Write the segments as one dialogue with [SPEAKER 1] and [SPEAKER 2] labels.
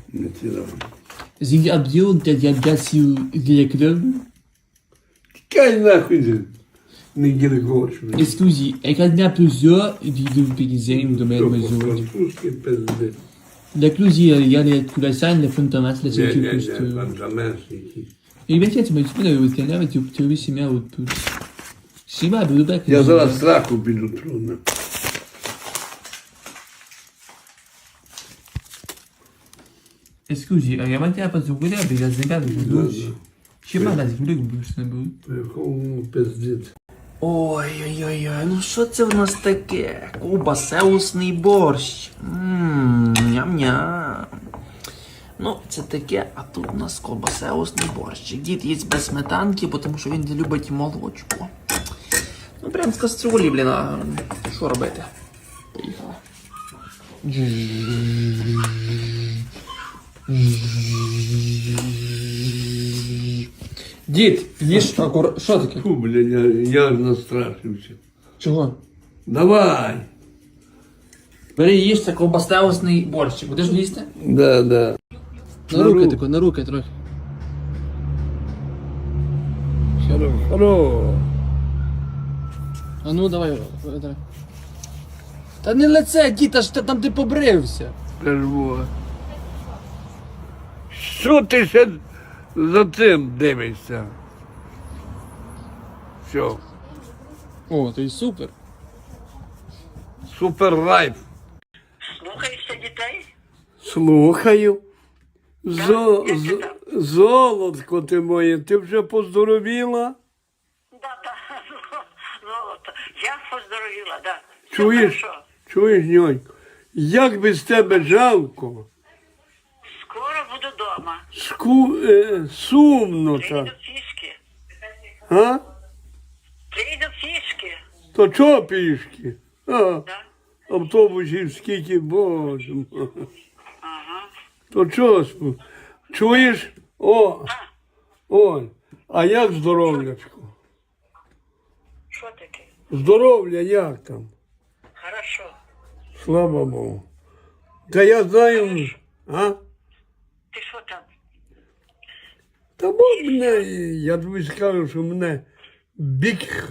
[SPEAKER 1] Maintenant.
[SPEAKER 2] Sind die Avion der sur le club?
[SPEAKER 1] Тікай нахуй, не гіргоч.
[SPEAKER 2] Scusi, è che ne ha plusieurs di Pizzen de même maison.
[SPEAKER 1] Французький пиздець.
[SPEAKER 2] La Clusi, il y a les Toulassan, les Fontamas, la
[SPEAKER 1] Ні,
[SPEAKER 2] Saint-Cup.
[SPEAKER 1] Бенджаменський.
[SPEAKER 2] Et bien, tiens, tu m'as dit que tu avais été là, mais tu avais aussi mis à haute pouce. Si, ma belle,
[SPEAKER 1] Я зараз страху піду трудно.
[SPEAKER 2] Scusi, я мать я позволю, а я знаю, что Хіба нас буде не буде?
[SPEAKER 1] Якому пиздець.
[SPEAKER 3] Ой-ой-ой, ну що це в нас таке? Кубасеусний борщ. Ням-ням. Ну, це таке, а тут у нас колбасеусний борщ. Дід їсть без сметанки, тому що він не любить молочко. Ну, прям з каструлі, блін, а що робити? Поїхали.
[SPEAKER 2] Дід, їж акуратно. Що таке?
[SPEAKER 1] Фу, блядь, я настрашився.
[SPEAKER 2] Чого?
[SPEAKER 1] Давай.
[SPEAKER 2] Бери їж, це колбасеусний борщ. Будеш їсти?
[SPEAKER 1] Да, да.
[SPEAKER 2] На руки трохи.
[SPEAKER 1] Хоро.
[SPEAKER 2] А ну, давай. Та не лице, дід, аж там ти побрився.
[SPEAKER 1] Кажу. Що ти ще за цим дивишся? Все.
[SPEAKER 2] О, то й супер.
[SPEAKER 1] Супер лайф.
[SPEAKER 4] Слухаєшся дітей?
[SPEAKER 1] Слухаю.
[SPEAKER 4] як ти там?
[SPEAKER 1] Золотко ти моє, ти вже поздоровіла?
[SPEAKER 4] Да, золото. Я поздоровіла, да. Все
[SPEAKER 1] Чуєш?
[SPEAKER 4] хорошо.
[SPEAKER 1] Чуєш, ньонько? Як без тебе жалко,
[SPEAKER 4] Скоро буду вдома.
[SPEAKER 1] сумно
[SPEAKER 4] Прийду
[SPEAKER 1] так.
[SPEAKER 4] пішки.
[SPEAKER 1] А?
[SPEAKER 4] Прийду пішки.
[SPEAKER 1] То чого пішки? А,
[SPEAKER 4] Да?
[SPEAKER 1] автобусів скільки, боже мой.
[SPEAKER 4] Ага.
[SPEAKER 1] То чого? Чуєш? Ой, а як здоров'ячко?
[SPEAKER 4] Що таке?
[SPEAKER 1] Здоров'я як там?
[SPEAKER 4] Хорошо.
[SPEAKER 1] Слава Богу. Та я знаю, а?
[SPEAKER 4] Ти що там?
[SPEAKER 1] Та бо мене, я тобі скажу, що мене бік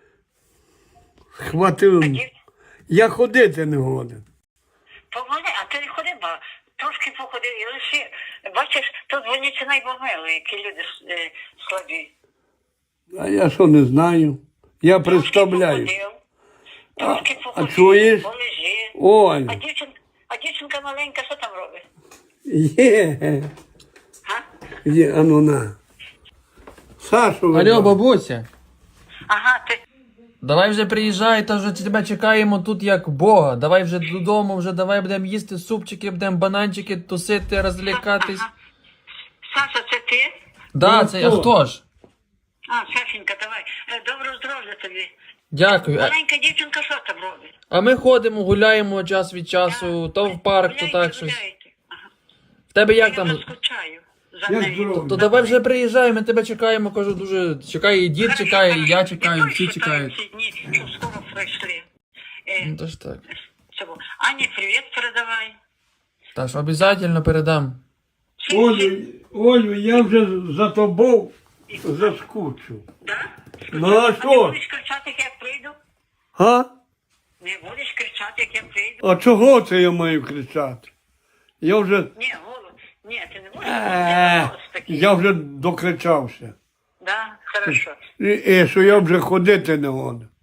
[SPEAKER 1] схватив. Я ходити не годен.
[SPEAKER 4] Помоги, а ти не ходи, бо трошки походи і лише. Бачиш, тут вони чи найбомили, які люди слабі.
[SPEAKER 1] А я що не знаю. Я представляю.
[SPEAKER 4] Трошки
[SPEAKER 1] А
[SPEAKER 4] походив,
[SPEAKER 1] чуєш?
[SPEAKER 4] полежи.
[SPEAKER 1] Ой,
[SPEAKER 4] А дівчинка маленька, що там робить?
[SPEAKER 1] є,
[SPEAKER 4] Га?
[SPEAKER 1] є, а ну на. Сашу,
[SPEAKER 2] Алло,
[SPEAKER 1] видав.
[SPEAKER 2] бабуся.
[SPEAKER 4] Ага, ти.
[SPEAKER 2] Давай вже приїжджай, та вже тебе чекаємо тут як Бога. Давай вже додому, вже давай будемо їсти супчики, будемо бананчики тусити, розлякатись.
[SPEAKER 4] Ага. Саша, це ти?
[SPEAKER 2] Да,
[SPEAKER 1] Ну,
[SPEAKER 2] це а хто ж?
[SPEAKER 4] А, Сашенька, давай. Доброго здоров'я тобі.
[SPEAKER 2] Дякую.
[SPEAKER 4] Маленька дівчинка що там робить?
[SPEAKER 2] А ми ходимо, гуляємо час від часу, то в парк, то так щось.
[SPEAKER 4] Гуляйте. Ага.
[SPEAKER 2] В тебе як
[SPEAKER 4] Я
[SPEAKER 2] там?
[SPEAKER 4] вже скучаю за
[SPEAKER 1] Як
[SPEAKER 4] нею.
[SPEAKER 1] здоров'я?
[SPEAKER 2] То давай вже приїжджай, ми тебе чекаємо, кажу, дуже чекає, і дід чекає, і я чекаю, всі чекають.
[SPEAKER 4] Ці дні, щоб скоро пройшли.
[SPEAKER 2] Ну то ж так.
[SPEAKER 4] Цього. Ані, привіт передавай.
[SPEAKER 2] Та ж обов'язково передам.
[SPEAKER 1] Олю, я вже за тобою заскучив.
[SPEAKER 4] Да?
[SPEAKER 1] Ну а
[SPEAKER 4] Не
[SPEAKER 1] що?
[SPEAKER 4] будеш кричати, як я прийду?
[SPEAKER 1] А?
[SPEAKER 4] Не будеш кричати, як я прийду?
[SPEAKER 1] А чого це я маю кричати? Я вже,
[SPEAKER 4] Ні, голос. Ні, ти не будеш. Голос такий.
[SPEAKER 1] я вже докричався.
[SPEAKER 4] Да, хорошо.
[SPEAKER 1] І що я вже ходити не можу.